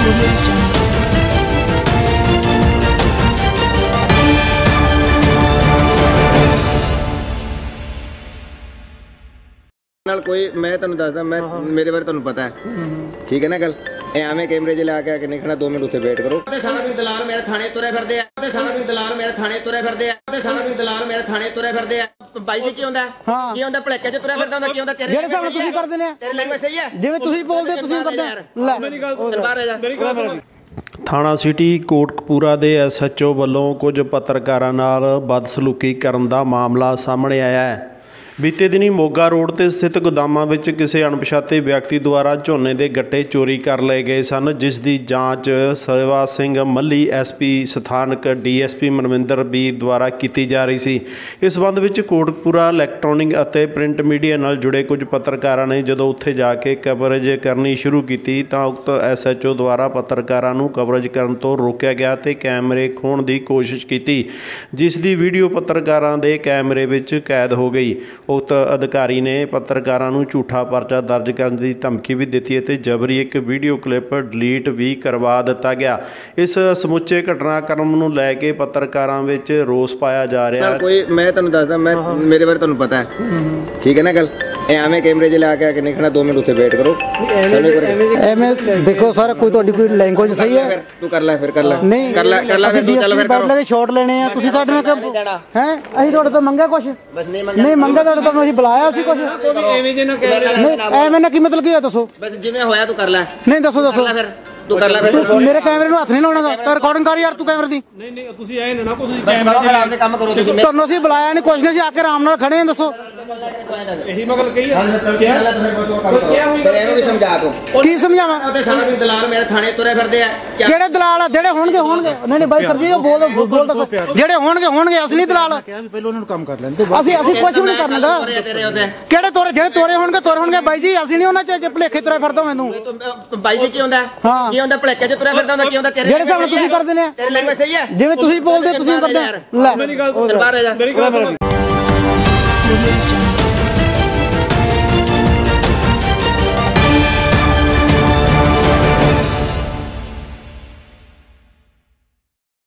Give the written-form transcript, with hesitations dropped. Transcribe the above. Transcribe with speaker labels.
Speaker 1: कोई मैं तुहानू दसदा मैं मेरे बारे तुहानू पता है ठीक है ना गल एवें कैमरे च ला के नहीं खड़ा 2 मिनट उत्थे वेट करो सारा दिन दलाल मेरे थाने तुरे फिरदे आ सारा दिन दलाल मेरे थाने तुरे फिरदे आ सारा दिन दलाल मेरे थाने तुरे फिरदे आ बाई जी की हुंदा की हुंदा भलेके च तुरे फिरदा हुंदा की हुंदा तेरे जेड़े साहब तुसी करदे ने तेरी लैंग्वेज सही है जिवें तुसी बोलदे तुसी करदे ले मेरी गल बाहर आ जा
Speaker 2: ਥਾਣਾ ਸਿਟੀ ਕੋਟਕਪੂਰਾ ਦੇ SHO ਵੱਲੋਂ ਕੁਝ ਪੱਤਰਕਾਰਾਂ ਨਾਲ ਬਦਸਲੂਕੀ ਕਰਨ ਦਾ ਮਾਮਲਾ ਸਾਹਮਣੇ ਆਇਆ ਹੈ। बीते दिनी मोगा रोड ते स्थित गोदामां विच किसी अणपछाते व्यक्ति द्वारा झोने के गट्टे चोरी कर लए गए सन, जिस दी जांच सेवा सिंह मल्ली SP स्थानक DSP मनविंदर बीर द्वारा की जा रही सी। इस संबंध में कोटकपूरा इलैक्ट्रॉनिक और प्रिंट मीडिया नाल जुड़े कुछ पत्रकारां ने जदों उत्थे जाके कवरेज करनी शुरू की तां उक्त SHO द्वारा पत्रकारां नूं कवरेज करन तों रोकिया गया ते कैमरे खोण की कोशिश की, जिस दी वीडियो पत्रकारां दे कैमरे विच कैद हो गई। उक्त अधिकारी ने पत्रकारां नूं झूठा परचा दर्ज करने की धमकी भी दी है, जबरी एक वीडियो क्लिप डिलीट भी करवा दिता गया। इस समुचे घटनाक्रम नूं लैके पत्रकारां विच रोस पाया जा रहा है।
Speaker 1: कोई मैं तुहानू दसदा मैं मेरे बारे तुहानू पता है ठीक है ना गल एवें कैमरे च ला के नहीं खड़ा 2 मिनट उत्थे वेट करो
Speaker 3: एवें देखो सर कोई तुहाडी कोई लैंग्वेज सही है
Speaker 1: तू कर ले फिर कर ले
Speaker 3: नहीं
Speaker 1: कर ले फिर तू चल फिर
Speaker 3: बैठ ले शॉट लेने हैं तुसी साडे नाल हैं ਅਸੀਂ ਤੁਹਾਡੇ ਤੋਂ ਮੰਗਿਆ ਕੁਛ ਨਹੀਂ ਮੰਗਿਆ ਤੁਹਾਡੇ ਤੋਂ ਅਸੀਂ ਬੁਲਾਇਆ ਸੀ ਕੁਛ
Speaker 1: ਐਵੇਂ ਜੇ ਨਾ ਕਹਿ ਰਿਹਾ
Speaker 3: ਨਹੀਂ ਐਵੇਂ ਨਾ ਕੀ ਮਤਲਬ ਕੀ ਹੈ ਦੱਸੋ
Speaker 1: ਬਸ ਜਿਵੇਂ ਹੋਇਆ ਤੂੰ ਕਰ ਲੈ
Speaker 3: ਨਹੀਂ ਦੱਸੋ
Speaker 1: ਫਿਰ ਤੂੰ ਕਰ ਲੈ ਫਿਰ
Speaker 3: ਮੇਰੇ ਕੈਮਰੇ ਨੂੰ ਹੱਥ ਨਹੀਂ ਲਾਉਣਾ ਤਾਂ ਰਿਕਾਰਡਿੰਗ ਕਰ ਯਾਰ ਤੂੰ ਕੈਮਰੇ ਦੀ
Speaker 1: ਨਹੀਂ ਤੁਸੀਂ ਐ ਨਾ ਤੁਸੀਂ ਕੈਮਰੇ ਦੇ ਕੰਮ ਕਰੋ ਤੁਸੀਂ
Speaker 3: ਤੁਹਾਨੂੰ ਅਸੀਂ ਬੁਲਾਇਆ ਨਹੀਂ ਕੁਛ ਨਹੀਂ ਅਸੀਂ ਆ ਕੇ ਆਰਾਮ ਨਾਲ ਖੜੇ ਹਾਂ ਦੱਸੋ
Speaker 1: ਇਹੀ ਮਗਲ ਕਹੀ ਫਿਰ ਇਹਨੂੰ ਵੀ ਸਮਝਾ ਤੂੰ
Speaker 3: ਕੀ ਸਮਝਾਵਾਂ
Speaker 1: ਉਹਦੇ ਸਾਰਾ ਦਿਨ ਦਲਾਲ ਮੇਰੇ ਥਾਣੇ ਤੁਰੇ ਫਿਰਦੇ ਆ
Speaker 3: ਕਿਹੜੇ ਦਲਾਲ ਆ ਜਿਹੜੇ ਹੋਣਗੇ ਨਹੀਂ ਬਾਈ ਸਰ ਜੀ ਉਹ ਬੋਲ ਦੱਸੋ ਜਿਹੜੇ ਹੋਣਗੇ ਅਸਲੀ ਦਲਾਲ
Speaker 4: ਪਹਿਲਾਂ ਉਹਨਾਂ ਨੂੰ ਕੰਮ ਕਰ ਲੈਣ
Speaker 3: ਅਸੀਂ ਕੁਛ ਵੀ ਨਹੀਂ ਕਰਨਾਗਾ ਕਿਹੜੇ ਤੋਰੇ ਜਿਹੜੇ ਤੋਰੇ ਹੋਣਗੇ ਬਾਈ ਜੀ ਅਸੀਂ ਨਹੀਂ ਉਹਨਾਂ ਚ ਭਲੇਖੇ ਤੁਰੇ ਫਿਰਦਾ ਮੈਨੂੰ
Speaker 1: ਬਾਈ ਜੀ ਕੀ ਹੁੰਦਾ ਕੀ ਹੁੰਦਾ ਭਲੇਕੇ ਚ ਤੁਰੇ ਫਿਰਦਾ ਹੁੰਦਾ ਕੀ ਹੁੰਦਾ ਤੇਰੇ
Speaker 3: ਜਿਹੜੇ ਸਾਹਮਣੇ ਤੁਸੀਂ ਕਰਦੇ ਨੇ
Speaker 1: ਤੇਰੀ ਲੈਂਗੁਏਜ ਸਹੀ ਹੈ
Speaker 3: ਜਿਵੇਂ ਤੁਸੀਂ ਬੋਲਦੇ ਤੁਸੀਂ ਕਰਦੇ ਲੈ
Speaker 1: ਮੇਰੀ ਗੱਲ ਬਾਹਰ ਆ ਜਾ